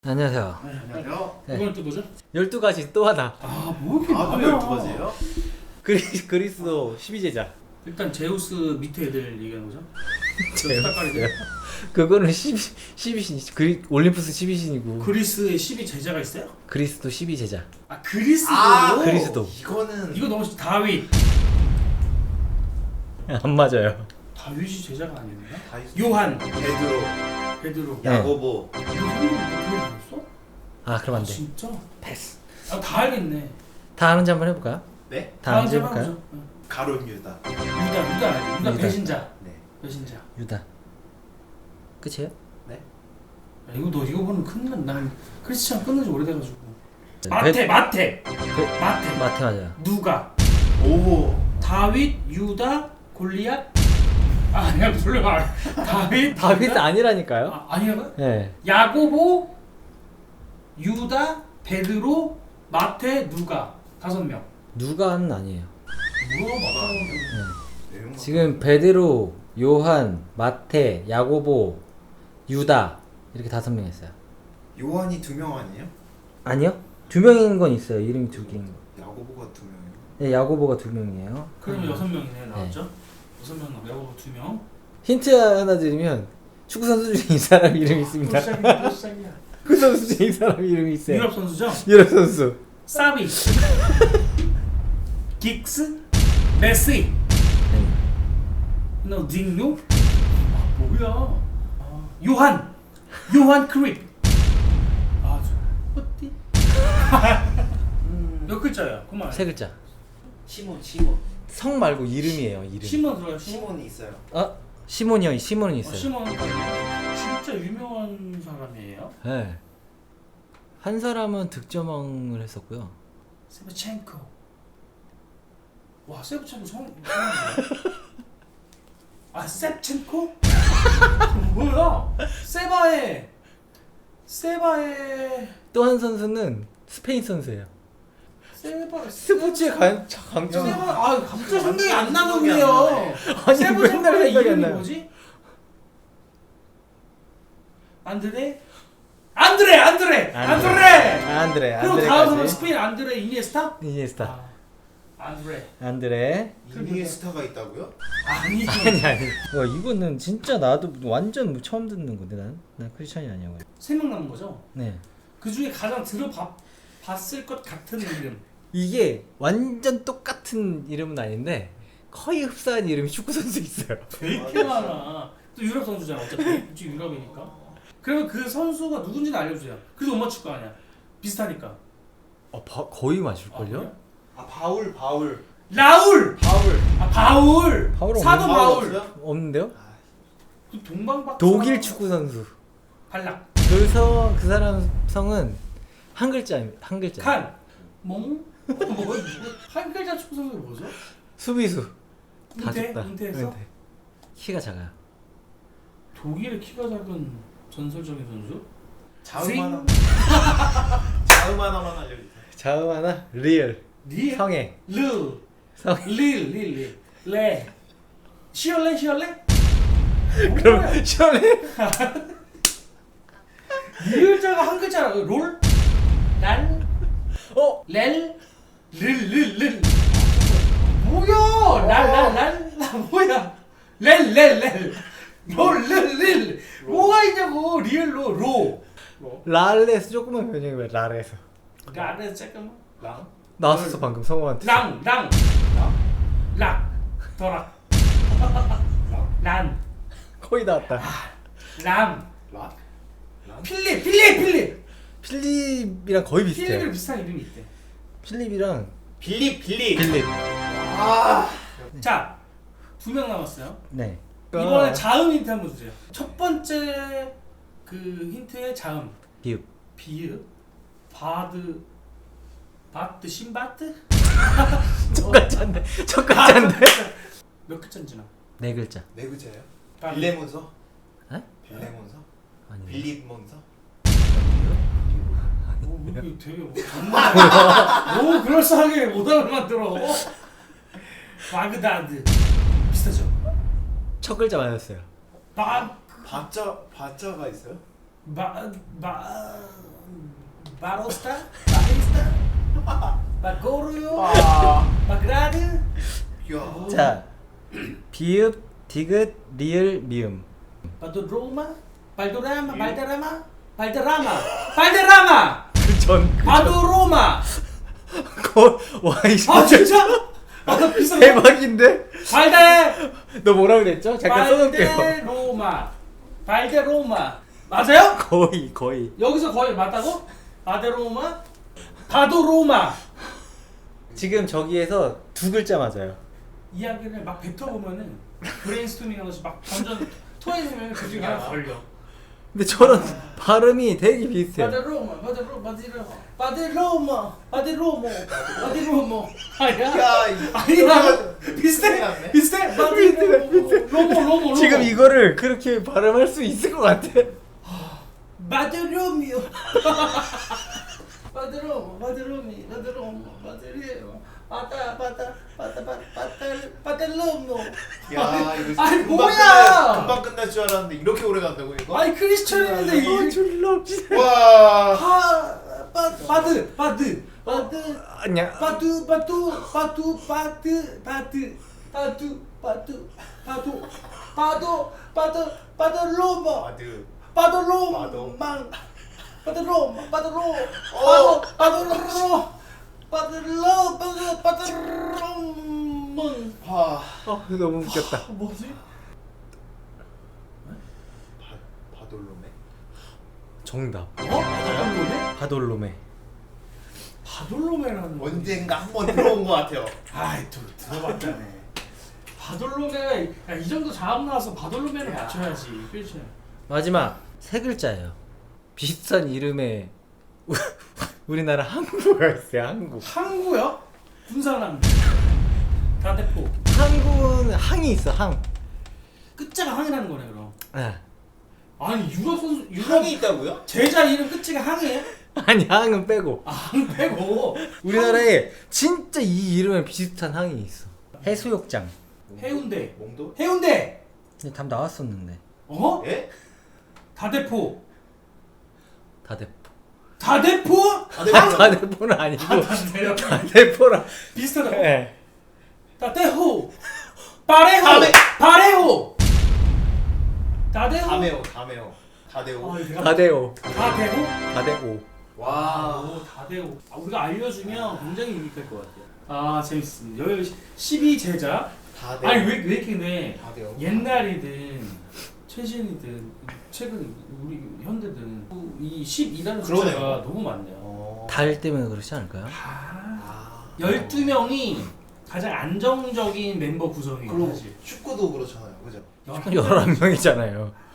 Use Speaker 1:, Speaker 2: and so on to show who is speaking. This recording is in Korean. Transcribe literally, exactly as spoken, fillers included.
Speaker 1: 안녕하세요.
Speaker 2: 네, 안녕하세요.
Speaker 1: 네.
Speaker 2: 이건 또 뭐죠?
Speaker 1: 열두 가지 또 하나.
Speaker 2: 아, 뭐 이렇게
Speaker 3: 아, 또
Speaker 2: 많아.
Speaker 3: 열두 가지예요?
Speaker 1: 그리스, 그리스도 십이 제자.
Speaker 2: 일단 제우스 밑에 애들 얘기하는 거죠?
Speaker 1: 제우스요? 그거는 십이, 십이 신, 그리, 올림푸스 십이 신이고.
Speaker 2: 그리스에 십이 제자가 있어요?
Speaker 1: 그리스도 십이 제자.
Speaker 2: 아, 그리스도.
Speaker 3: 아,
Speaker 1: 그리스도.
Speaker 3: 이거는
Speaker 2: 이거 너무 다윗.
Speaker 1: 안 맞아요.
Speaker 2: 다윗이 제자가 아닌가?
Speaker 3: 다윗.
Speaker 2: 요한,
Speaker 3: 베드로,
Speaker 2: 베드로.
Speaker 1: 네.
Speaker 3: 야고보.
Speaker 2: 이거 성경 그거 아니었어?
Speaker 1: 아, 그럼 안
Speaker 2: 아,
Speaker 1: 돼.
Speaker 2: 진짜?
Speaker 1: 패스.
Speaker 2: 아, 다 알겠네.
Speaker 1: 다 아는지 한번 해볼까요?
Speaker 3: 네?
Speaker 1: 다 아는지 해볼까요?
Speaker 2: 해보죠. 응.
Speaker 3: 가론 유다.
Speaker 2: 유다, 유다 알지? 유다
Speaker 1: 유다.
Speaker 2: 배신자.
Speaker 3: 네.
Speaker 2: 배신자.
Speaker 1: 유다. 끝이에요?
Speaker 3: 네.
Speaker 2: 야, 이거 너 이거 보는 큰일 난. 난 크리스찬 끊는 지 오래돼가지고.
Speaker 1: 네,
Speaker 2: 마태, 마태,
Speaker 1: 그,
Speaker 2: 마태.
Speaker 1: 마태 맞아요.
Speaker 2: 누가?
Speaker 3: 오.
Speaker 2: 다윗, 유다, 골리앗? 아, 아니야, 돌려봐. 다윗,
Speaker 1: 다윗
Speaker 2: 유다?
Speaker 1: 아니라니까요?
Speaker 2: 아, 아니야?
Speaker 1: 네.
Speaker 2: 야고보, 유다, 베드로, 마태, 누가 다섯 명.
Speaker 1: 누가는 아니에요.
Speaker 2: 뭐야, 맞아.
Speaker 3: 내용
Speaker 1: 지금 베드로, 요한, 마태, 야고보, 유다 이렇게 다섯 명 했어요.
Speaker 3: 요한이 두 명 아니에요?
Speaker 1: 아니요? 두 명인 건 있어요. 이름이 두 개인 거.
Speaker 3: 야고보가 두 명이요.
Speaker 1: 네, 야고보가 두 명이에요.
Speaker 2: 그럼 여섯 명이네 나왔죠? 여섯 명 나고 야고보 두 명.
Speaker 1: 힌트 하나 드리면 축구 선수 중에 이 사람 이름이 있습니다.
Speaker 2: 또 시작이야, 또 시작이야.
Speaker 1: 축구 선수 중에 이 사람 이름이 있어요.
Speaker 2: 유럽 선수죠?
Speaker 1: 유럽 선수.
Speaker 2: 사비, 긱스, 메시, 너 딩요? 아, 뭐야? 아, 요한, 요한 크립. 아, 저 어디? 몇 글자야? 그만.
Speaker 1: 세 글자.
Speaker 3: 시몬, 시몬.
Speaker 1: 성 말고 이름이에요. 이름.
Speaker 2: 시몬 들어요. 시몬.
Speaker 3: 시몬이 있어요.
Speaker 1: 아 시몬이요. 시몬은
Speaker 2: 어,
Speaker 1: 있어요.
Speaker 2: 시몬 진짜 유명한 사람이에요.
Speaker 1: 네. 한 사람은 득점왕을 했었고요.
Speaker 2: 세브첸코. 와, 세브첸코 성. 성이야. 아, 세브첸코? 뭐야? 세바에 세바에
Speaker 1: 또 한 선수는 스페인 선수예요.
Speaker 2: 세바
Speaker 1: 스포츠에 관 강점.
Speaker 2: 세바 아 갑자기 생각이 안
Speaker 3: 생각이 안
Speaker 2: 나는데요.
Speaker 3: 나네.
Speaker 1: 아니,
Speaker 2: 세븐
Speaker 1: 맨날
Speaker 2: 챔피언의
Speaker 1: 생각이 안
Speaker 2: 이름이
Speaker 1: 나요.
Speaker 2: 뭐지? 안드레? 안드레 안드레 안드레.
Speaker 1: 안드레.
Speaker 2: 그리고 다음 사람
Speaker 1: 안드레까지.
Speaker 2: 스페인 안드레 이니에스타?
Speaker 1: 이니에스타.
Speaker 2: 아, 안드레.
Speaker 1: 안드레.
Speaker 3: 이니에스타가 있다고요?
Speaker 2: 아니
Speaker 1: 아니 아니. 와 이거는 진짜 나도 완전 처음 듣는 건데 난. 난 크리스찬이 아니야.
Speaker 2: 세명 남은 거죠?
Speaker 1: 네.
Speaker 2: 그 중에 가장 들어봤 봤을 것 같은 이름.
Speaker 1: 이게 완전 똑같은 이름은 아닌데 거의 흡사한 이름이 축구 선수 있어요.
Speaker 2: 되게 많아. 또 유럽 선수잖아. 어차피 지금 유럽이니까. 그러면 그 선수가 누군지는 알려주세요. 그래도 못 맞출 거 아니야. 비슷하니까.
Speaker 1: 어, 바, 거의 맞을
Speaker 2: 아,
Speaker 1: 걸요?
Speaker 2: 그래요?
Speaker 3: 아, 바울, 바울.
Speaker 2: 라울.
Speaker 3: 바울.
Speaker 2: 아 바울.
Speaker 1: 바울은
Speaker 2: 사도
Speaker 1: 없는-
Speaker 2: 바울.
Speaker 3: 없어요?
Speaker 1: 없는데요?
Speaker 3: 아,
Speaker 2: 그 동방박.
Speaker 1: 독일 축구 선수.
Speaker 2: 발락.
Speaker 1: 그래서 그 사람 성은 한 글자입니다. 한 글자.
Speaker 2: 칸. 몽. 뭐, 뭐, 한 글자 축구 선수 뭐죠?
Speaker 1: 수비수. 다
Speaker 2: 은퇴?
Speaker 1: 줬다.
Speaker 2: 은퇴했어?
Speaker 1: 은퇴. 키가 작아요.
Speaker 2: 독일의 키가 작은 전설적인 선수?
Speaker 3: 자음 하나. 자음 하나만 알려주세요.
Speaker 1: 자음 하나. 리얼.
Speaker 2: 리.
Speaker 1: 성애.
Speaker 2: 르.
Speaker 1: 성.
Speaker 2: 릴. 릴. 릴. 레. 시얼레 시얼레?
Speaker 1: 그럼 시원해.
Speaker 2: 이 글자가 한 글자라. 롤? 랄?
Speaker 1: 어?
Speaker 2: 렐? 릴, 릴, 릴. 뭐야? 랄, 랄, 랄? 나 뭐야? 렐, 렐, 렐. 롤, 릴, 릴. 뭐가 있냐고. 리얼로, 로.
Speaker 1: 랄레스 조금만 변형해. 랄에서.
Speaker 2: 랄에서 잠깐만. 랑.
Speaker 1: 나왔었어 방금 성우한테.
Speaker 2: 랑, 랑. 락. 더락. 란.
Speaker 1: 거의 나왔다.
Speaker 2: 람.
Speaker 3: 라?
Speaker 2: 필립, 필립, 필립.
Speaker 1: 필립이랑 거의 비슷해요.
Speaker 2: 필립이랑 비슷한 이름이 있대.
Speaker 1: 필립이랑
Speaker 3: 빌립, 빌립.
Speaker 1: 필립.
Speaker 3: 아.
Speaker 2: 자, 두 명 남았어요.
Speaker 1: 네.
Speaker 2: 이번에 자음 힌트 한번 주세요. 첫 번째 그 힌트의 자음.
Speaker 1: 비읍.
Speaker 2: 비읍, 바드, 바트, 신바트?
Speaker 1: 똑같지 않네. 똑같지 않네.
Speaker 2: 몇 글자인지나?
Speaker 1: 네 글자.
Speaker 3: 네 글자예요?
Speaker 2: 빨리.
Speaker 3: 빌레몬서?
Speaker 1: 에?
Speaker 3: 빌레몬서?
Speaker 1: 아니.
Speaker 3: 빌립몬서?
Speaker 2: 오, 이거 되게 뭐 정말 너무 그럴싸하게 오답을 만들어. 바그다드 비슷하죠?
Speaker 1: 첫 글자 맞았어요.
Speaker 2: 바,
Speaker 3: 바자, 바자가 있어요?
Speaker 2: 바, 바, 바로스타, 바리스타, 바고르요,
Speaker 3: 아.
Speaker 2: 바그라드.
Speaker 3: 야.
Speaker 1: 자, 비읍, 디귿, 리을, 미음.
Speaker 2: 바도로마, 발도라마, 발데라마, 발데라마, 발데라마.
Speaker 1: 그전
Speaker 2: 바도로마.
Speaker 1: 와, 이
Speaker 2: 아 진짜? 아나 비슷한
Speaker 1: 대박인데?
Speaker 2: 발데
Speaker 1: 너 뭐라고 그랬죠? 잠깐 써놓을게요.
Speaker 2: 발데로마, 발데로마 맞아요?
Speaker 1: 거의 거의.
Speaker 2: 여기서 거의 맞다고? 바데로마, 바도로마.
Speaker 1: 지금 저기에서 두 글자 맞아요.
Speaker 2: 이야기를 막 뱉어보면은 브레인스토밍하면서 막 던전 토해내면 그 중에 하나 걸려.
Speaker 1: 근데 저런 발음이 되게 비슷해요.
Speaker 2: 바데로마, 바데로, 바데로, 바데로마, 바데로모, 바데로모. 아니야?
Speaker 3: 야, 이-
Speaker 2: 아니야? 비슷해?
Speaker 3: 났네.
Speaker 2: 비슷해? 바데로모, 로모, 로모, 로모.
Speaker 1: 지금 이거를 그렇게 발음할 수 있을 것 같아.
Speaker 2: 바데로미오. 바데로모, 바데로미, 바데로모, 바데리오. 바다, 바다, 바다, 바다, 바다, 바데로모.
Speaker 3: 야, 이거
Speaker 2: 아니,
Speaker 3: 금방
Speaker 2: 뭐야!
Speaker 3: 끝날- 금방 끝날 줄 알았는데 이렇게 오래 간다고 이거?
Speaker 2: 아니 크리스천인데
Speaker 1: 이거
Speaker 2: 이거
Speaker 1: 졸라 없지.
Speaker 3: 와.
Speaker 2: 바, 바, 바드, 바드, 바드.
Speaker 1: 아니야.
Speaker 2: 바두 바두 바두 바드 바드 바두 바두 바두 바도 바도 바도로마
Speaker 3: 아드.
Speaker 2: 바도로망 바도로마 바도로
Speaker 3: 어.
Speaker 2: 바도 바도로 바도로 바도 바도로망.
Speaker 3: 와.
Speaker 1: 어, 너무 웃겼다.
Speaker 2: 뭐지?
Speaker 3: 바 바돌로메.
Speaker 1: 정답.
Speaker 2: 어? 바돌로메?
Speaker 1: 바돌로메.
Speaker 2: 바돌로메라는 거.
Speaker 3: 언젠가 한번 들어온 것 같아요.
Speaker 2: 아이 또 들어봤다네. 바돌로메가 야, 이 정도 자음 나와서 바돌로메를
Speaker 3: 야.
Speaker 2: 맞춰야지. 그렇지.
Speaker 1: 마지막 세 글자예요. 비슷한 이름의 우- 우리나라 항구가 있어요. 항구.
Speaker 2: 항구요? 군산항. 다대포.
Speaker 1: 항구는 항이 있어. 항.
Speaker 2: 끝자가 항이라는 거네 그럼.
Speaker 1: 아.
Speaker 2: 아니 유럽 선수 유럽
Speaker 3: 항이 있다고요?
Speaker 2: 제자 이름 끝이가 항이에요?
Speaker 1: 아니 항은 빼고.
Speaker 2: 아, 항 빼고.
Speaker 1: 우리나라에 진짜 이 이름에 비슷한 항이 있어. 해수욕장.
Speaker 2: 해운대.
Speaker 3: 몽도?
Speaker 2: 해운대.
Speaker 1: 근데 답 나왔었는데.
Speaker 2: 어?
Speaker 3: 예?
Speaker 2: 다대포.
Speaker 1: 다대포.
Speaker 2: 다대포?
Speaker 3: 다대포.
Speaker 1: 다대포는 아니고
Speaker 2: 다대포.
Speaker 1: 다대포랑.
Speaker 2: 비슷하다고?
Speaker 1: 예.
Speaker 2: 다대호. 바레호.
Speaker 3: 다메.
Speaker 2: 바레호. 다대호.
Speaker 3: 다메오, 다메오, 다데오.
Speaker 2: 아, 이거
Speaker 1: 다대오.
Speaker 2: 다대호?
Speaker 1: 다대오.
Speaker 3: 와.
Speaker 2: 아, 다대호. 아, 우리가 알려주면 굉장히 유익할 것 같아요. 아, 재밌습니다. 여기 십이 제자.
Speaker 3: 다데오.
Speaker 2: 아니 왜, 왜 이렇게 네
Speaker 3: 다데오.
Speaker 2: 옛날이든 최신이든 최근 우리 현대든 이 십이라는
Speaker 3: 그러네요.
Speaker 2: 숫자가 너무 많네요.
Speaker 3: 어.
Speaker 1: 달 때문에 그렇지 않을까요?
Speaker 2: 아,
Speaker 3: 아.
Speaker 2: 열두 명이 가장 안정적인 멤버 구성이에요.
Speaker 3: 그리고
Speaker 2: 사실.
Speaker 3: 축구도 그렇잖아요, 그죠?
Speaker 1: 열한 명이잖아요.